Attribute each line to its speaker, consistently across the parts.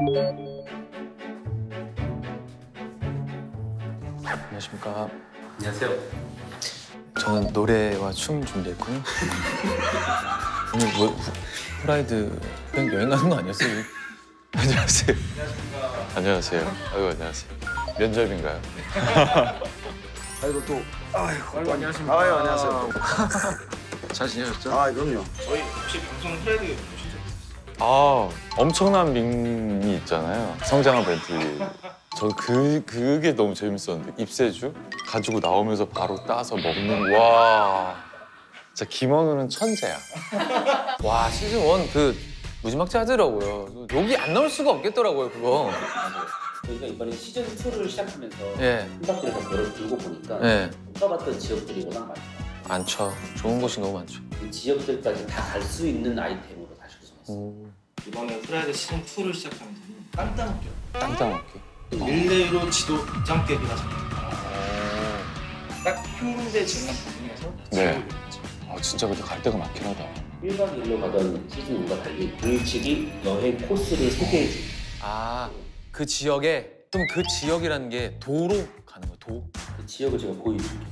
Speaker 1: 안녕하십니까.
Speaker 2: 안녕하세요.
Speaker 1: 저는 노래와 춤 준비했고요. 오늘 뭐 프라이드 그냥 여행 가는 거 아니었어요? 안녕하세요. 안녕하세요. 아이고 안녕하세요. 면접인가요?
Speaker 3: 아이고 또 아이고
Speaker 2: 안녕하십니까.
Speaker 3: 아유 안녕하세요.
Speaker 1: 잘 지내셨죠?
Speaker 3: 아 그럼요.
Speaker 2: 저희 혹시 방송 프라이드 보시죠?
Speaker 1: 아 엄청난 밈이 있잖아요. 성장한 벤틀리. 저 그게 너무 재밌었는데 입새주 가지고 나오면서 바로 따서 먹는 와 진짜 김원우는 천재야. 와 시즌 1 그 무지막지 하더라고요. 욕이 안 나올 수가 없겠더라고요 그거.
Speaker 4: 저희가 이번에 시즌 2를 시작하면서
Speaker 1: 예.
Speaker 4: 한 바퀴를 더 걸어 들고 보니까
Speaker 1: 예.
Speaker 4: 못 가봤던 지역들이 워낙 많아요.
Speaker 1: 많죠. 좋은 곳이 너무 많죠.
Speaker 4: 그 지역들까지 다 갈 수 있는 아이템으로 다시 구성했어요.
Speaker 1: 오.
Speaker 2: 이번에 프라이드 시즌 2를 시작하면서는 땅 따먹기.
Speaker 1: 땅땅 먹기.
Speaker 2: 릴레이로 지도 점깨기가 잡니다. 딱 한 군데 지금 부분에서
Speaker 1: 네.
Speaker 2: 지도를 그렸죠.
Speaker 1: 아 진짜 근데 갈 데가 많긴 하다.
Speaker 4: 1박 2일로 가던 시즌 1과 달리 불치기 여행 코스를 소개해주고
Speaker 1: 아 그 지역에 그럼 그 지역이라는 게 도로 가는 거야 도?
Speaker 4: 그 지역을 제가 보여드릴게요.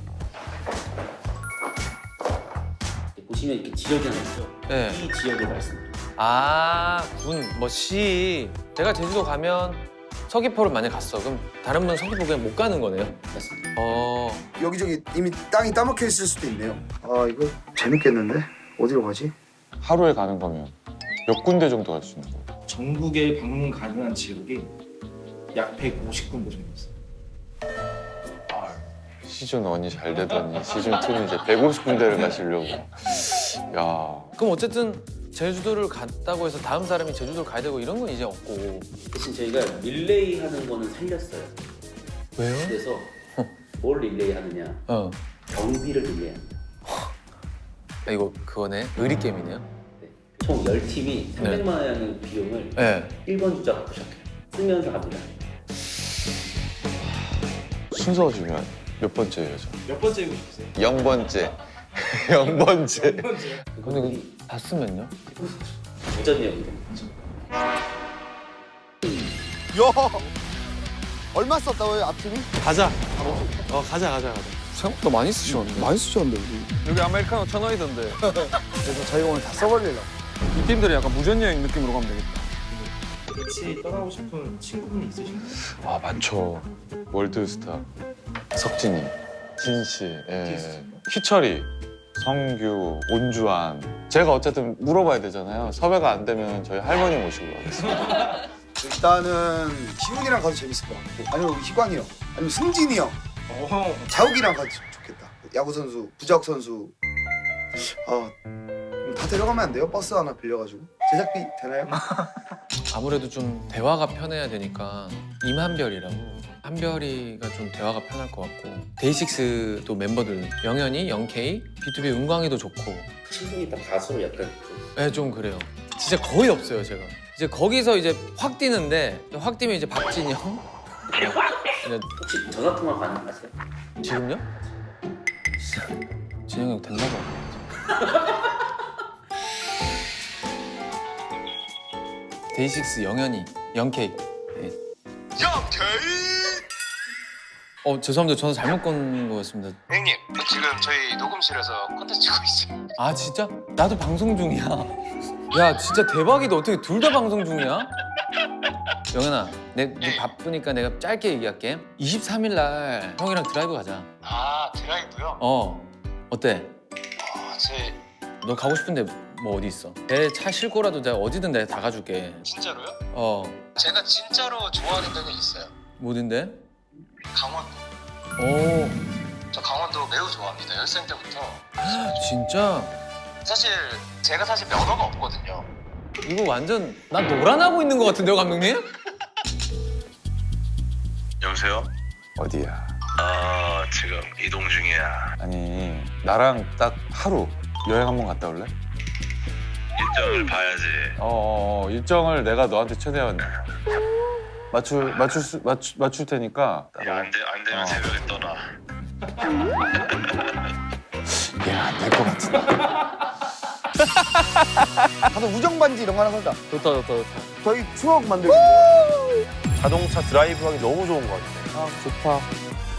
Speaker 4: 보시면 이렇게 지역이 하나 있죠?
Speaker 1: 네.
Speaker 4: 이 지역을 말씀드려요.
Speaker 1: 뭐 시. 내가 제주도 가면 서귀포를 만약 갔어. 그럼 다른 분 서귀포 그냥 못 가는 거네요.
Speaker 4: 맞습니다.
Speaker 3: 여기저기 이미 땅이 따먹혀 있을 수도 있네요. 아 이거 재밌겠는데? 어디로 가지?
Speaker 1: 하루에 가는 거면 몇 군데 정도 갈 수 있는 거야?
Speaker 2: 전국에 방문 가능한 지역이 약 150군데 정도 있어요.
Speaker 1: 시즌 1이 잘 되더니 시즌 2는 이제 150군데를 가시려고. 야. 그럼 어쨌든 제주도를 갔다고 해서 다음 사람이 제주도를 가야 되고 이런 건 이제 없고.
Speaker 4: 대신 저희가 릴레이 하는 거는 살렸어요.
Speaker 1: 왜요?
Speaker 4: 그래서 뭘 릴레이 하느냐? 경비를 릴레이 합니다.
Speaker 1: 아, 이거 그거네. 의리 게임이네요.
Speaker 4: 네. 총 10팀이 300만 원의 비용을
Speaker 1: 네.
Speaker 4: 1번 주자가 부셨해요. 쓰면서 갑니다.
Speaker 1: 순서가 중요해. 몇 번째 여자?
Speaker 2: 몇 번째 이고 싶으세요?
Speaker 1: 0번째. 0번째.
Speaker 2: 몇 번째?
Speaker 1: 근데 이거 다 쓰면요?
Speaker 4: 무전이었는데.
Speaker 3: 야 얼마 썼다고요 앞팀이?
Speaker 1: 가자. 가자. 생각보다 많이 쓰셨는데.
Speaker 3: 많이 쓰셨는데 우리.
Speaker 5: 여기 아메리카노 1,000원이던데
Speaker 3: 그래서 저희가 오늘 다 써버리려고.
Speaker 5: 이 팀들이 약간 무전여행 느낌으로 가면 되겠다.
Speaker 2: 같이 떠나고 싶은 친구분이 있으신가요?
Speaker 1: 아 많죠. 월드스타 석진이, 진씨, 희철이, 성규, 온주환. 제가 어쨌든 물어봐야 되잖아요. 섭외가 안 되면 저희 할머니 모시고 가겠습니다.
Speaker 3: 일단은 희훈이랑 가도 재밌을 것 같고 아니면 희광이 형 아니면 승진이 형 자욱이랑 가도 좋겠다. 야구 선수, 부작 선수. 다 데려가면 안 돼요? 버스 하나 빌려가지고 제작비 되나요?
Speaker 1: 아무래도 좀 대화가 편해야 되니까 임한별이라고. 한별이가 좀 대화가 편할 것 같고 데이식스도 멤버들 영현이, 영케이, B2B 은광이도 좋고.
Speaker 4: 친구이 다 가수로 약간
Speaker 1: 네, 좀 그래요. 진짜 거의 없어요 제가. 이제 거기서 이제 확 뛰는데 확 뛰면 이제 박진영. 네,
Speaker 4: 혹시 전화 통화 가능하세요?
Speaker 1: 지금요? 진영이 형 됐나 봐. 데이식스 영현이, 영케이. 네. 죄송합니다. 저는 잘못 건 거였습니다.
Speaker 6: 형님, 지금 저희 녹음실에서 콘텐츠 찍고 있어요.
Speaker 1: 아 진짜? 나도 방송 중이야. 야 진짜 대박이다. 어떻게 둘 다 방송 중이야? 영현아, 네 바쁘니까 내가 짧게 얘기할게. 23일 날 형이랑 드라이브 가자.
Speaker 6: 아, 드라이브요?
Speaker 1: 어때?
Speaker 6: 제
Speaker 1: 너 가고 싶은데 뭐 어디 있어? 내 차 싣고라도 내가 어디든 내가 다 가줄게.
Speaker 6: 진짜로요?
Speaker 1: 제가
Speaker 6: 제가 진짜로 좋아하는 데는 있어요.
Speaker 1: 뭐든데?
Speaker 6: 강원도.
Speaker 1: 오
Speaker 6: 저 강원도 매우 좋아합니다. 열생 때부터.
Speaker 1: 진짜?
Speaker 6: 사실 제가 면허가 없거든요.
Speaker 1: 이거 완전 나 노란하고 있는 것 같은데요 감독님?
Speaker 6: 여보세요?
Speaker 1: 어디야?
Speaker 6: 지금 이동 중이야.
Speaker 1: 아니 나랑 딱 하루 여행 한번 갔다 올래?
Speaker 6: 일정을 봐야지.
Speaker 1: 일정을 내가 너한테 최대한 맞출 테니까.
Speaker 6: 안 되면 새벽에 떠나.
Speaker 1: 얘는 안 될 것 같은데.
Speaker 3: 가서 우정 반지 이런 거 하나 사자.
Speaker 5: 좋다.
Speaker 3: 저희 추억 만들기.
Speaker 2: 자동차 드라이브하기 너무 좋은 것 같아.
Speaker 5: 아 좋다.